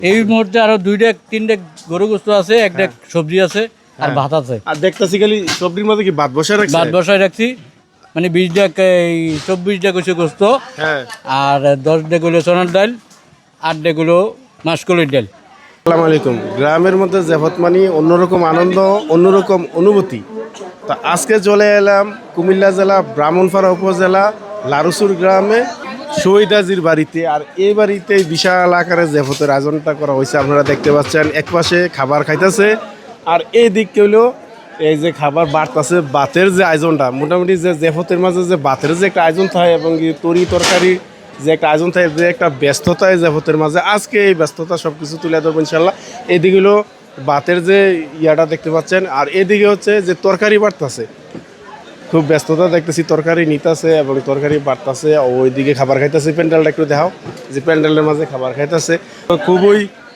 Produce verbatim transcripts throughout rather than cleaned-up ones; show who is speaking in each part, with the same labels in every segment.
Speaker 1: এই মুহূর্তে আরো দুইটা তিনটা গরু গোস্ত আছে, একটা সবজি আছে আর ভাত আছে।
Speaker 2: আর দেখতেছি খালি সবজির মধ্যে কি ভাত বসায় রাখছেন?
Speaker 1: ভাত বসায় রাখছি, মানে বিশটা এই চব্বিশটা কিছু গোস্ত,
Speaker 2: হ্যাঁ।
Speaker 1: আর দশটা গুলো সোনার ডাল, আটটা গুলো মাসকলির ডাল।
Speaker 2: আসসালামু আলাইকুম। গ্রামের মধ্যে জেফত মানি অন্যরকম আনন্দ, অন্যরকম অনুভূতি। তো আজকে চলে এলাম কুমিল্লা জেলা ব্রাহ্মণপাড়া উপজেলা লারুসুর গ্রামে শহীদ হাজীর বাড়িতে। আর এই বাড়িতে বিশাল আকারে জেফতের আয়োজনটা করা হয়েছে। আপনারা দেখতে পাচ্ছেন এক পাশে খাবার খাইতেছে, আর এই দিক হলো এই যে খাবার বাড়তেছে। বাতের যে আয়োজনটা মোটামুটি যে জেফতের মাঝে যে বাতের যে একটা আয়োজন থাকে এবং তরি তরকারি যে একটা আয়োজন থাকে, যে একটা ব্যস্ততা জেফতের মাঝে, আজকে এই ব্যস্ততা সব কিছু তুলে ধরবো ইনশাল্লাহ। এদিকে হলো বাতের যে ইয়াটা দেখতে পাচ্ছেন, আর এদিকে হচ্ছে যে তরকারি বাড়তেছে, খুব ব্যস্ততা দেখতেছি। তরকারি নিতেছে এবং তরকারি বাড়তেছে, ওইদিকে খাবার খাইতেছে। প্যান্ডেলটা একটু দেখাও, যে প্যান্ডেলের মাঝে খাবার খাইতেছে। খুবই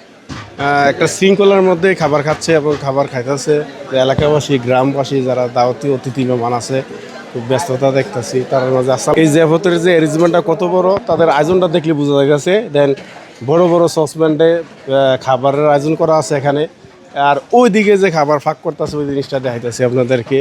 Speaker 2: একটা শৃঙ্খলার মধ্যে খাবার খাচ্ছে এবং খাবার খাইতেছে। এলাকাবাসী, গ্রামবাসী যারা দাওয়াতি অতিথি মেহমান আছে, খুব ব্যস্ততা দেখতেছি তার মাঝে। আসলে এই জেফতের যে অ্যারেঞ্জমেন্টটা কত বড়, তাদের আয়োজনটা দেখলে বোঝা গেছে। দেন বড় বড় সসপ্যান্ডে খাবারের আয়োজন করা আছে এখানে, আর ওই দিকে যে খাবার ফাঁক করতেছে ওই জিনিসটা দেখাইতেছি আপনাদেরকে।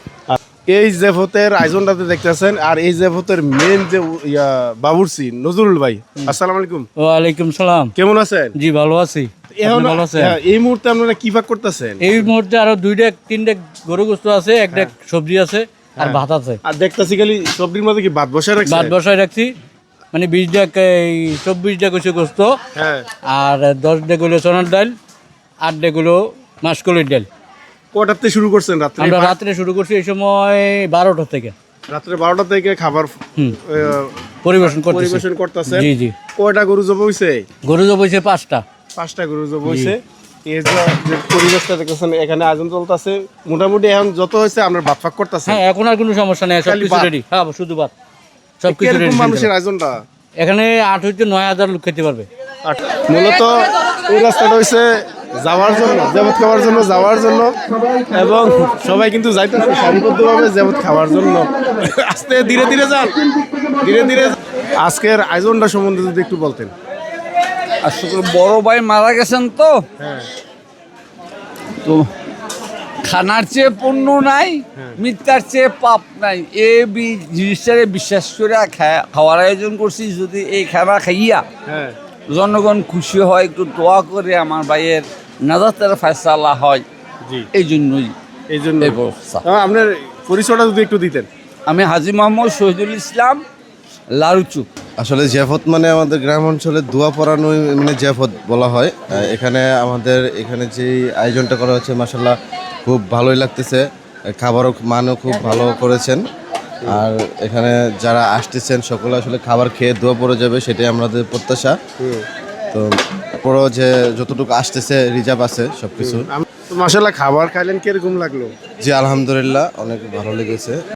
Speaker 2: এই জেফতের আয়োজনটাতে দেখতেছেন, আর এই জেফতের মেন যে ইয়া বাবুর্চি নজরুল ভাই। আসসালামু আলাইকুম।
Speaker 1: ওয়ালাইকুম সালাম।
Speaker 2: কেমন আছেন?
Speaker 1: জি ভালো আছি।
Speaker 2: এখন
Speaker 1: ভালো আছেন?
Speaker 2: হ্যাঁ, এই মুহূর্তে আপনারা কি ভাগ করতেছেন?
Speaker 1: এই মুহূর্তে আরো দুইটা তিনটা গরু গোস্ত আছে, একটা সবজি আছে আর ভাত আছে।
Speaker 2: আর দেখতেছি খালি সবজির মধ্যে কি ভাত বসায় রাখছেন?
Speaker 1: ভাত বসায় রাখছি, মানে বিশটা এই চব্বিশটা কিছু গোস্ত,
Speaker 2: হ্যাঁ।
Speaker 1: আর দশটা গুলো সোনার ডাল, আটটা গুলো মাসকলির ডাল।
Speaker 2: কটাতে শুরু করছেন? রাত্রে?
Speaker 1: আমরা রাত্রে শুরু করছি এই সময় বারোটা থেকে।
Speaker 2: রাত্রে বারোটা থেকে খাবার
Speaker 1: হুম।
Speaker 2: আহ,
Speaker 1: পরিবেশন করতেছি।
Speaker 2: পরিবেশন করতেছেন।
Speaker 1: জি জি।
Speaker 2: কয়টা গরু জব হইছে?
Speaker 1: গরু তো বইছে পাঁচটা।
Speaker 2: পাঁচটা গরু জব হইছে। এই যে যে পরিবেশটা দেখতেছেন, এখানে আয়োজন চলতেছে। মোটামুটি এখন যত হয়েছে আমরা ভাত ফাঁক করতেছেন।
Speaker 1: হ্যাঁ, এখন আর কোনো সমস্যা নেই, সব
Speaker 2: খালি
Speaker 1: কিছু
Speaker 2: ভাত?
Speaker 1: রেডি। হ্যাঁ, শুধু ভাত, সব কিছু
Speaker 2: কিরকম
Speaker 1: রেডি।
Speaker 2: মানুষের আয়োজনটা?
Speaker 1: এখানে আট হইতে নয় হাজার লোক খেতে পারবে।
Speaker 2: আর মূলত এই রাস্তাটা হইছে যাওয়ার জন্য, জেবত খাওয়ার জন্য, যাওয়ার জন্য, এবং সবাই কিন্তু যাইতেছে সারিবদ্ধভাবে জেবত খাওয়ার জন্য। আস্তে ধীরে ধীরে যান, ধীরে ধীরে। আজকের আয়োজনটা সম্বন্ধে যদি একটু বলতেন।
Speaker 3: আসলে বড় ভাই মারা গেছেন তো,
Speaker 2: হ্যাঁ।
Speaker 3: তো খানার চেয়ে পুণ্য নাই, মিথ্যার চেয়ে পাপ নাই। এ বি- জিনিসটারে বিশ্বাস করে খা- খাওয়ার আয়োজন করছি। যদি এই খানা খাইয়া
Speaker 2: হ্যাঁ।
Speaker 3: জনগণ খুশি হয়, একটু দোয়া করে আমার ভাইয়ের নাজাতের ফয়সালা হয়,
Speaker 2: জি।
Speaker 3: এই জন্যই
Speaker 2: এই জন্য
Speaker 3: এই ব্যবস্থা।
Speaker 2: আহ, আপনার পরিচয়টা যদি একটু দিতেন।
Speaker 3: আমি হাজী মোহাম্মদ শহীদুল ইসলাম, লারুচুক।
Speaker 4: আসলে জেফত মানে আমাদের গ্রাম অঞ্চলে দোয়া পড়ানোই মানে জেফত বলা হয়। আহ, এখানে আমাদের এখানে যে আয়োজনটা করা হচ্ছে মাশাল্লাহ খুব ভালোই লাগতেছে। খাবারও মানও খুব ভালো করেছেন। আর এখানে যারা আসতেছেন সকলে আসলে খাবার খেয়ে দোয়া পড়ে যাবে, সেটাই আমাদের প্রত্যাশা। তো পরও যে যতটুকু আসতেছে রিজার্ভ আছে সব কিছু।
Speaker 2: মাশাআল্লাহ, খাবার খাইলেন কিরকম লাগলো?
Speaker 4: জি আলহামদুলিল্লাহ অনেক ভালো লেগেছে।